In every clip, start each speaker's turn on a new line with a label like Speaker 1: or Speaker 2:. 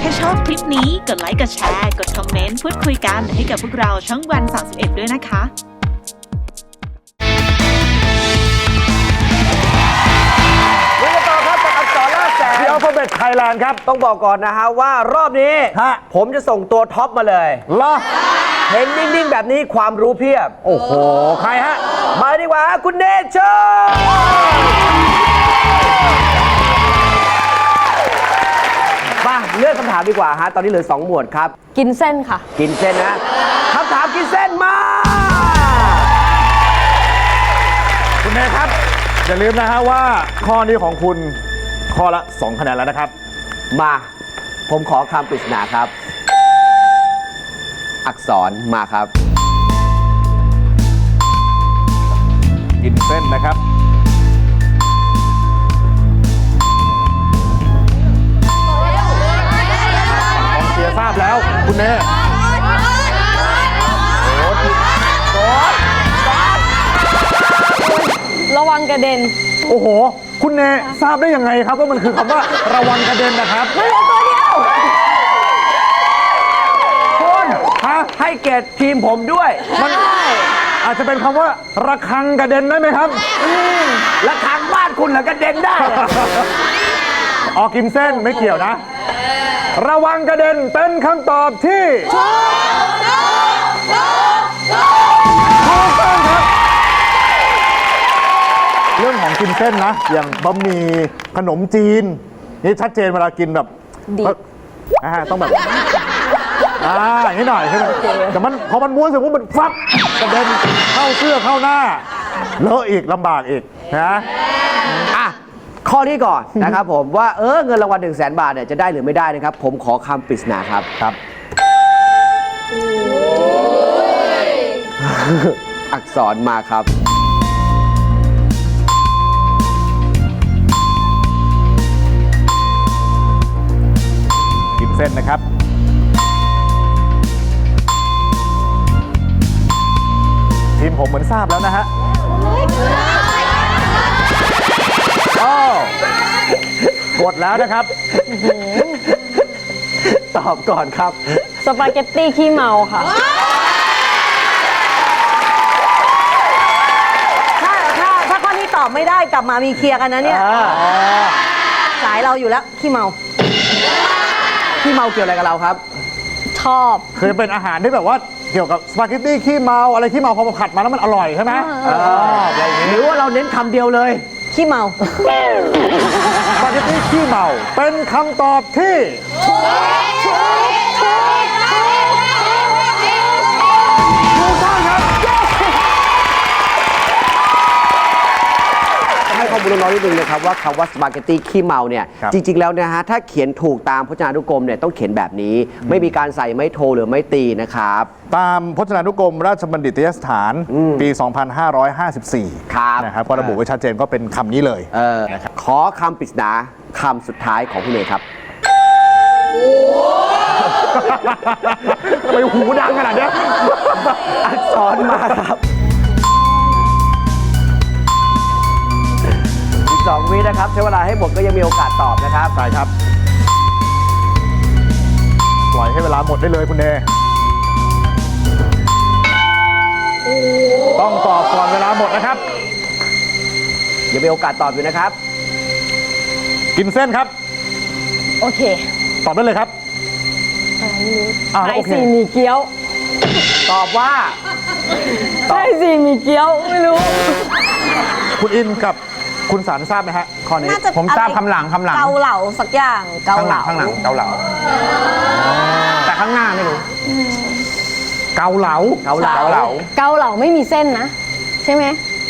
Speaker 1: ถ้าชอบคลิปนี้กดไลค์กดแชร์กดคอมเมนต์พูดคุยกันให้กับพวกเราช่องวัน31ด้วยนะคะ
Speaker 2: The Alphabet Thailand ครับต้องบอกก่อนนะฮะว่ารอบนี้ผมจะส่งตัวท็อปมาเลยเหรอเห็นนิ่งๆแบบนี้ความรู้เพียบโอ้โหใครฮะมาดีกว่าคุณเนเชอร์มาเลือกคำถามดีกว่าฮะตอนนี้เหลือ2หมวดครับ
Speaker 3: กินเส้นค่ะ
Speaker 2: กินเส้นนะคำถามกินเส้นมา
Speaker 4: คุณเนครับอย่าลืมนะฮะว่าข้อนี้ของคุณข้อละ2คะแนนแล้วนะครับ
Speaker 2: มาผมขอคำปริศนาครับอักษรมาครับ
Speaker 4: กินเส้นนะครับกองเชียร์ทราบแล้วคุณเน
Speaker 3: ระวังกระเด็น
Speaker 4: โอ้โหคุณเนทราบได้ยังไงครับว่ามันคือคำว่าระวังกระเด็นนะครับ
Speaker 3: มันเหลือตัวเดียว
Speaker 2: คุณให้เกียรติทีมผมด้วย
Speaker 4: มันอาจจะเป็นคำว่าระฆังกระเด็นได้ไหมครับ
Speaker 2: ระฆังบ้านคุณเหรอกระเด็นได้
Speaker 4: ออกกินเส้นไม่เกี่ยวนะระวังกระเด็นเป็นคำตอบที่ถูกต้องครับเรื่องของกินเส้นนะอย่างบะหมี่ขนมจีนนี่ชัดเจนเวลากินแบบต้องแบบอย่างนี้หน่อยใช่ไหมแต่มันพอมันม้วนเสร็จปุ๊บมันฟักกระเด็นเข้าเสื้อเข้าหน้าเลอะอีกลำบากอีกนะ
Speaker 2: ข้อนี้ก่อนนะครับผมว่าเงินรางวัล100,000 บาทเนี่ยจะได้หรือไม่ได้นะครับผมขอคำปริศนาครับอักษรมาครับ
Speaker 4: กินเส้นนะครับทีมผมเหมือนทราบแล้วนะฮะกดแล้วนะครับ
Speaker 2: ตอบก่อนครับ
Speaker 3: สปาเกตตี้ขี้เมาค่ะ
Speaker 5: ถ้าข้อนี้ตอบไม่ได้กลับมามีเคลียร์กันนะเนี่ยสายเราอยู่แล้วขี้เมา
Speaker 2: ขี้เมาเกี่ยวอะไรกับเราครับ
Speaker 3: ชอบ
Speaker 4: คือเป็นอาหารที่แบบว่าเกี่ยวกับสปาเกตตี้ขี้เมาอะไรขี้เมาพอมาผัดมาแล้วมันอร่อยใช่ไหม
Speaker 2: หรือว่าเราเน้นคำเดียวเลย
Speaker 5: ขี้เมา
Speaker 4: สปาเกตตี้ขี้เมาเป็นคำตอบที่ถูกต้องครับ
Speaker 2: ให้ข้อมูลน้อยนิดนึงนะครับว่าคำว่าสปาเกตตี้ขี้เมาเนี่ยจริงๆแล้วนะฮะถ้าเขียนถูกตามพจนานุกรมเนี่ยต้องเขียนแบบนี้ไม่มีการใส่ไม้โทหรือไม้ตีนะครับ
Speaker 4: ตามพจนานุกรมราชบัณฑิตยสถานปี 2554นะครับก็ระบุไว้ชัดเจนก็เป็นคำนี้เลย
Speaker 2: ขอคำปริศนาคำสุดท้ายของพี่เนยครับ
Speaker 4: ทำไมหูดังขนาดนี้
Speaker 2: อักษรมาครับ2 วินะครับใช้เวลาให้หมดก็ยังมีโอกาสตอบนะครับ
Speaker 4: ใช่ครับปล่อยให้เวลาหมดได้เลยคุณเนต้องตอบก่อนเวลาหมดนะครับ
Speaker 2: ยังมีโอกาสตอบอยู่นะครับ
Speaker 4: กินเส้นครับ
Speaker 3: โอเค
Speaker 4: ตอบได้เลยครับ
Speaker 3: ไอซีมีเกี๊ยว
Speaker 2: ตอบว่า
Speaker 3: ไอซีมีเกี๊ยวไม่รู้
Speaker 4: คุณอินกับคุณสารทราบไหมฮะข้อนี้
Speaker 5: ผมทราบคำหลังเกาเหลาสักอย่าง
Speaker 4: เกาเหลาข้างหลังเกาเหลาแต่ข้างหน้าไม่รู้เกาเหลา
Speaker 3: เกาเหลาไม่มีเส้นนะใช่ไหม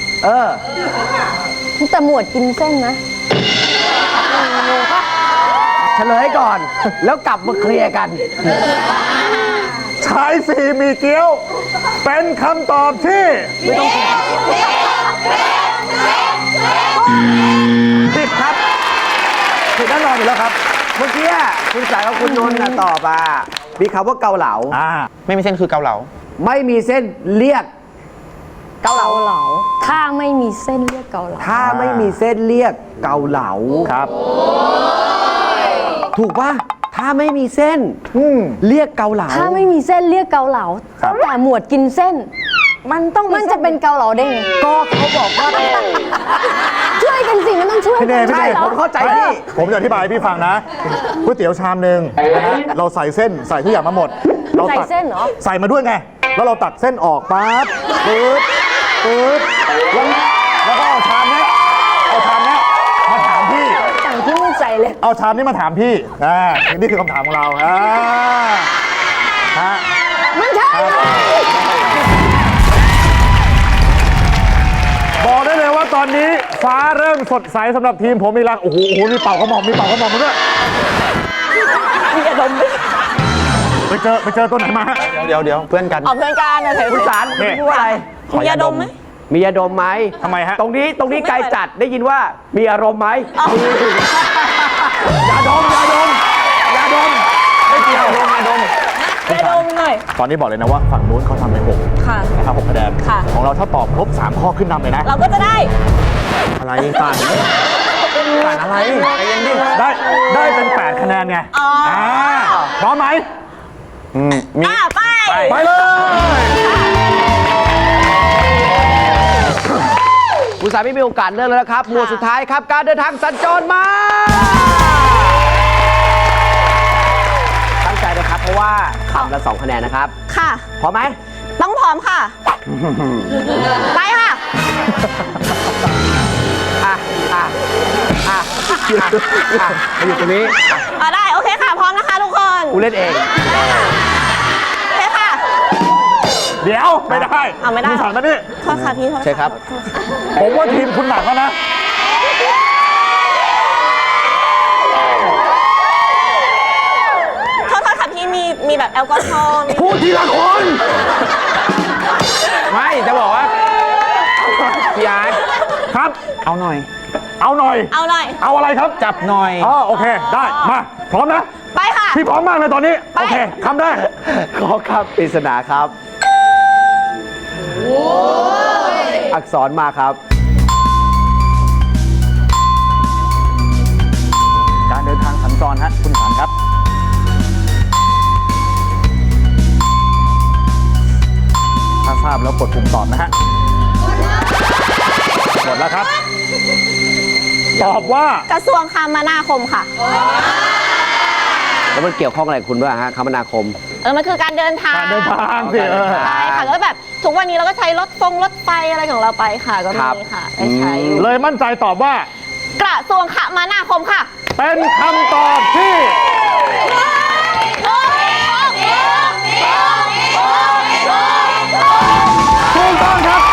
Speaker 3: แต่หมวดกินเส้นนะ
Speaker 2: เฉลยก่อนแล้วกลับมาเคลียร์กัน
Speaker 4: ชายสีมีเกี๊ยวเป็นคำตอบที่ไม่ต้องผิดครับผิดแน่นอนอยู่แล้วครับ
Speaker 2: เมื่อกี้คุณสายกับคุณนนท์ตอบมีคำว่าเกาเหลา
Speaker 4: ไม่มีเส้นคือเกาเหลา
Speaker 2: ไม่มีเส้นเรียก
Speaker 3: เกาเหลาถ้าไม่มีเส้นเรียกเกาเหลา
Speaker 2: ถ้าไม่มีเส้นเรียกเกาเหลา
Speaker 4: ครับ
Speaker 2: ถูกป่ะถ้าถ้าไม่มีเส้นเรียกเกาเหลา
Speaker 3: ถ้าไม่มีเส้นเรียกเกาเหลา แต่หมวดกินเส้น มันจะเป็นเกาเหลาได้ไง
Speaker 2: ก็เขาบอกว่า
Speaker 3: ช่วยกันสิมันต้องช่วย
Speaker 4: พี่เน
Speaker 3: กั
Speaker 4: ยพี่
Speaker 2: ใช่
Speaker 4: เนย
Speaker 2: ผมเข้าใจพี่
Speaker 4: ผมจะอธิบายให้พี่ฟังนะก๋วยเตี๋ยวชามหนึ่งนะฮะเราใส่เส้นใส่ทุกอย่างมาหมดเรา
Speaker 3: ใส่
Speaker 4: ตัก
Speaker 3: เส้นเหรอ
Speaker 4: ใส่มาด้วยไง แล้วเราตักเส้นออกปั๊บปึ๊บแล้วก็เอาชามนี้มาถามพี่
Speaker 3: สั่งที่มึงใส่เลย
Speaker 4: เอาชามนี้มาถามพี่นี่คือคำถามของเราฮะ
Speaker 3: มันใช่
Speaker 4: บอกได้เลยว่าตอนนี้ฟ้าเริ่มสดใสสำหรับทีมผมอีกแล้วโอ้โหมีเป่ากระหม่อมมาด้วย
Speaker 5: มีอารมณ์ไหม
Speaker 4: ไปเจอตัวไหนมาฮะ
Speaker 6: เดี๋ยวเพื่อนกัน
Speaker 5: ออกเพื่อนกันนะเถอะ
Speaker 2: คุณสาร
Speaker 4: นี่
Speaker 2: พูดอะไร
Speaker 5: มีอารมณ์ไหม
Speaker 2: มียาดมไหม
Speaker 4: ทำไมฮะ
Speaker 2: ตรงนี้ไกลจัดได้ยินว่ามีอารมณ์ไหมยาดมไม่เกี่ยว
Speaker 5: ยาดมหน่อย
Speaker 4: ตอนนี้บอกเลยนะว่าฝั่งนู้นเขาทำไป6
Speaker 5: ค่ะ
Speaker 4: นะครับ6คะแนน
Speaker 5: ค่ะ
Speaker 4: ของเราถ้าตอบครบ3ข้อขึ้นนำเลยนะ
Speaker 5: เราก็จะได้
Speaker 4: อะไรต่างอะไรได้เป็น8คะแนนไงพร้อมไหม
Speaker 5: ไป
Speaker 4: ไปเลย
Speaker 2: คุณสารไม่มีโอกาสเลือกแล้วนะครับหมวดสุดท้ายครับการเดินทางสัญจรมาตั้งใจนะครับเพราะว่าคำละ2คะแนนนะครับ
Speaker 5: ค่ะ
Speaker 2: พร้อมไหม
Speaker 5: ต้องพร้อมค่ะ ไปค่ะ
Speaker 2: มาอยู่ตรงนี้
Speaker 5: ได้ โอเคค่ะ พร้อมนะคะทุกคน
Speaker 2: กูเล่นเอง
Speaker 5: โอเคค่ะ
Speaker 4: เดี๋ยวไม่ได้
Speaker 5: ไม่ได้
Speaker 4: คุณสารมาดิ
Speaker 5: โทษค่ะพี่โทษ
Speaker 2: ใช่ครับ
Speaker 4: ผมว่าทีมคุณหนักแล้วนะ
Speaker 5: โทษค่ะพี่มีแบบแอลกอฮอล์
Speaker 4: พูดทีละคน
Speaker 6: ไม่จะบอกว่าพี่อาร์ต
Speaker 4: ครับ
Speaker 6: เอาหน่อย
Speaker 4: เอาหน่อย
Speaker 5: เอาหน่อย
Speaker 4: เอาอะไรครับ
Speaker 6: จับหน่อย
Speaker 4: โอเคได้มาพร้อมนะ
Speaker 5: ไปค่ะ
Speaker 4: พี่พร้อมมากเลยตอนนี้
Speaker 5: ไป
Speaker 4: โอเคคำได้
Speaker 2: ขอคำปริศนาครับอักษรมาครับ
Speaker 4: การเดินทางสัญจรฮะคุณสารครับ ถ้าทราบแล้วกดปุ่มตอบนะฮะกดแล้วครับ ตอบว่าก
Speaker 5: ระทรวงคมนาคมค่ะ
Speaker 2: แล้วมันเกี่ยวข้องอะไรกับคุณด้วยฮะคมนาคม
Speaker 5: มันคือการเดินทาง
Speaker 4: การเดินทางสิ
Speaker 5: ใช่ค่ะก็แบบทุกวันนี้เราก็ใช้รถไฟอะไรของเราไปค่ะ ก็
Speaker 2: ครับ
Speaker 5: มีค่ะได้ใช้อยู่
Speaker 4: เลยมั่นใจตอบว่า
Speaker 5: กระทรวงคมนาคมค่ะ
Speaker 4: เป็นคำตอบที่ถูกต้องครับ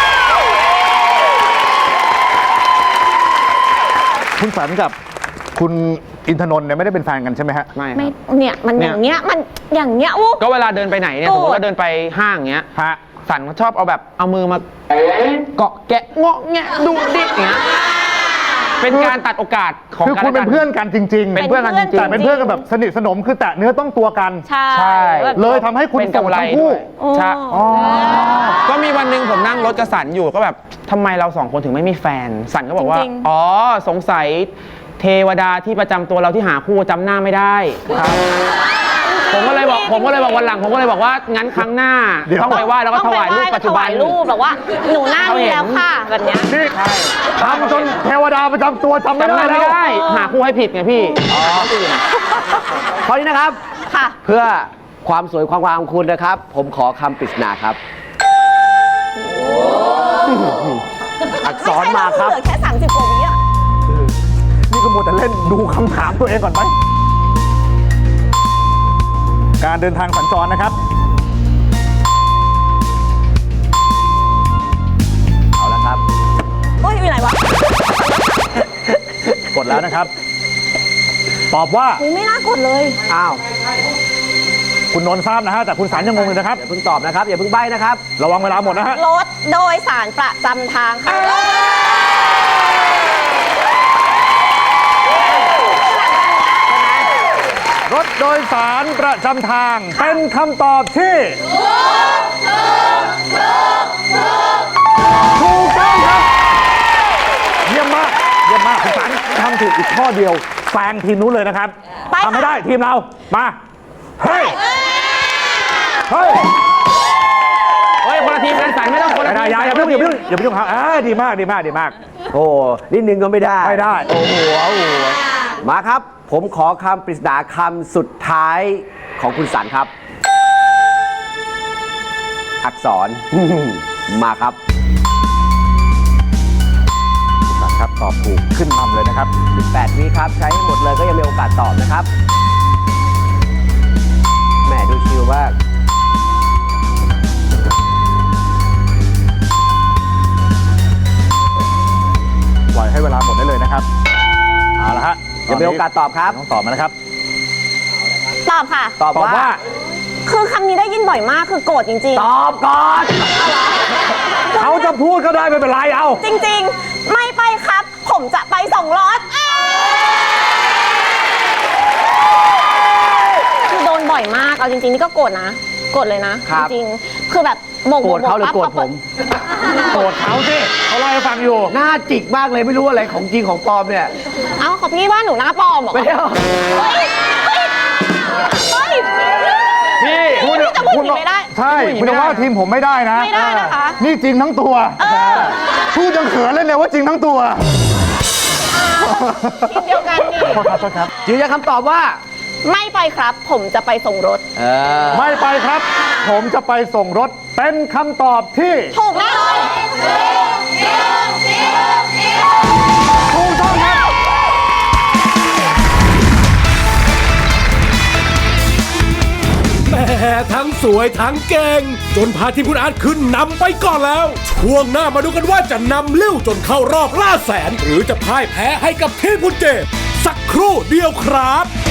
Speaker 4: คุณสันกับคุณอินทนนท์เนี่ยไม่ได้เป็นแฟนกันใช่ไหมฮะ
Speaker 6: ไม่ค
Speaker 5: ไม่
Speaker 6: รับ
Speaker 5: เนี่ยมันอย่างเงี้ยมันอย่างเงี้ยอู้
Speaker 6: ก็เวลาเดินไปไหนเนี่ย
Speaker 5: โกรธ
Speaker 6: สมมติว่าเดินไปห้างเงี้ย
Speaker 4: ฮะ
Speaker 6: สันเขาชอบเอาแบบเอามือมาเกาะแกะเงาะแงะดูดิอย่างเงี้ยเป็นการตัดโอกาสของ
Speaker 4: คือ
Speaker 6: การ
Speaker 4: คุณเป็นเพื่อนกันจริงๆ
Speaker 6: เป็นเพื่อนกันจริง
Speaker 4: แต่เป็นเพื่อนกันแบบสนิทสนมคือแตะเนื้อต้องตัวกัน
Speaker 5: ใช่
Speaker 6: ใช่
Speaker 5: แบบ
Speaker 4: เลยทำให้คุณ
Speaker 6: เป็น
Speaker 4: ส่ง
Speaker 6: กำไร
Speaker 4: ทั้งคู่
Speaker 6: ด้วยใช่ก็มีวันหนึ่งผมนั่งรถกระสันอยู่ก็แบบทำไมเราสองคนถึงไม่มีแฟน สันก็บอกว่า อ๋อสงสัยเทวดาที่ประจำตัวเราที่หาคู่จำหน้าไม่ได้ครับผมก็เลยบอกวันหลังผมก็เลยบอกว่างั้นครั้งหน้า
Speaker 4: เดี๋ยว
Speaker 6: ต้องไปไหว้แล้วก็ถวายรูปปัจจุบัน
Speaker 5: ถวายรูปแบบว่าหนูหน้ามีแล้วค่ะแบบเนี้ย
Speaker 4: นี่ทำจนเทวดาประจำตัวจำไม่
Speaker 6: จำห
Speaker 4: ได้
Speaker 6: น้า
Speaker 4: แล้
Speaker 6: ไม่
Speaker 4: ว
Speaker 6: ได้หาคู่ให้ผิดไงพี่
Speaker 2: ข้อนี้นะครับ
Speaker 5: ค่ะ
Speaker 2: เพื่อความสวยความงามของคุณนะครับ ผมขอคำปริศนาครับ อักษรมาครับ
Speaker 5: เหลือแค่30 กว่าวิอ่ะ
Speaker 4: นี่ก็มัวแต่เล่นดูคำถามตัวเองก่อนไหม การเดินทางสัญจรนะครับ
Speaker 2: เอาละครับ
Speaker 5: โอ้ยอยู่ไหนวะ
Speaker 4: กดแล้วนะครับ ตอบว่า
Speaker 5: อุ๊ยไม่น่ากดเลย
Speaker 2: อ้าว
Speaker 4: คุณนนท์ทราบนะฮะ แต่คุณสารยังงงเลยนะครับ
Speaker 2: อย่าเพิ่งตอบนะครับ อย่าเพิ่งใบ้นะครับ
Speaker 4: ระวังเวลาหมดนะฮะ
Speaker 5: รถโดยสารประจำทางค่ะ
Speaker 4: รถโดยสารประจำทาง เป็นคำตอบที่ถูกต้องครับ เยี่ยมมาก เยี่ยมมากคุณสารทต้องถูกอีกข้อเดียวแซงทีมนู้นเลยนะครับทำไม่ได้ทีมเรามาเฮ้ยเฮ้ย
Speaker 6: เฮ้ยคนละทีมกันสันไม่ต้องคนละทีม
Speaker 4: อย่าเพิ่งครับดีมาก
Speaker 2: โอ้นิดนึงก็ไม่ได้
Speaker 4: ไม่ได้
Speaker 2: โอ้โหมาครับ ผมขอคำปริศนาคำสุดท้ายของคุณสันครับ อักษร มาครับ
Speaker 4: สันครับตอบถูกขึ้นนำเลยนะครับ
Speaker 2: 18 วิครับ ใช้ให้หมดเลยก็ยังมีโอกาสตอบนะครับแหมดูชิวมาก
Speaker 4: ปล่อยให้เวลาหมดได้เลยนะครับเอาละฮะ
Speaker 2: ยังมีโอกาสตอบครับ
Speaker 4: ต้องตอบมานะครับ
Speaker 3: ตอบค่ะ
Speaker 2: ตอบ
Speaker 4: ตอบ
Speaker 2: ว่า
Speaker 4: ว่า
Speaker 3: คือคำนี้ได้ยินบ่อยมากคือโกรธจริง
Speaker 2: ตอบก่อน
Speaker 4: เขาจะพูดก็ได้ไม่เป็นไรเอา
Speaker 3: ๆ จริง ๆ ไม่ไปครับ ผมจะไปส่งรถคือโดนบ่อยมากเอาจริงๆนี่ก็โกรธนะโกรธเลยนะ
Speaker 2: ครั
Speaker 3: จ
Speaker 2: บ
Speaker 3: ริงๆคือแบบโบก
Speaker 2: โกรธเขาหรือโกรธผม
Speaker 4: โกรธเขาสิเขาเล่าให้ฟังอยู่
Speaker 2: หน้าจิกมากเลยไม่รู้อะไรของจริงของปลอมเนี่ย
Speaker 3: เอ้าของพี่ว่าหนูหน้าปลอมเหรอ
Speaker 2: ไม่ได้เอา
Speaker 3: เฮ้ย
Speaker 6: พี่
Speaker 3: พี่จะพูดอย่างนี้ไม่ได้
Speaker 4: ใช่คุณจะว่าทีมผมไม่ได้นะ
Speaker 3: ไม่ได้นะคะ
Speaker 4: นี่จริงทั้งตัวพูดยังเขินเลยเนี่ยว่าจริงทั้งตัว
Speaker 3: ทีมเดียวกันนี่
Speaker 4: โทษครับ
Speaker 2: ยืนยันคำตอบว่า
Speaker 3: ไม่ไปครับ ผมจะไปส่งรถ
Speaker 4: ไม่ไปครับ ผมจะไปส่งรถเป็นคำตอบที่
Speaker 3: ถูกแน่นอน
Speaker 4: ถูกต้องครับ
Speaker 7: แหมทั้งสวยทั้งเก่งจนพาทีมคุณอาร์ตขึ้นนำไปก่อนแล้ว ช่วงหน้ามาดูกันว่าจะนำลิ้วจนเข้ารอบล่าแสน หรือจะพ่ายแพ้ให้กับทีมคุณเจมส์สักครู่เดียวครับ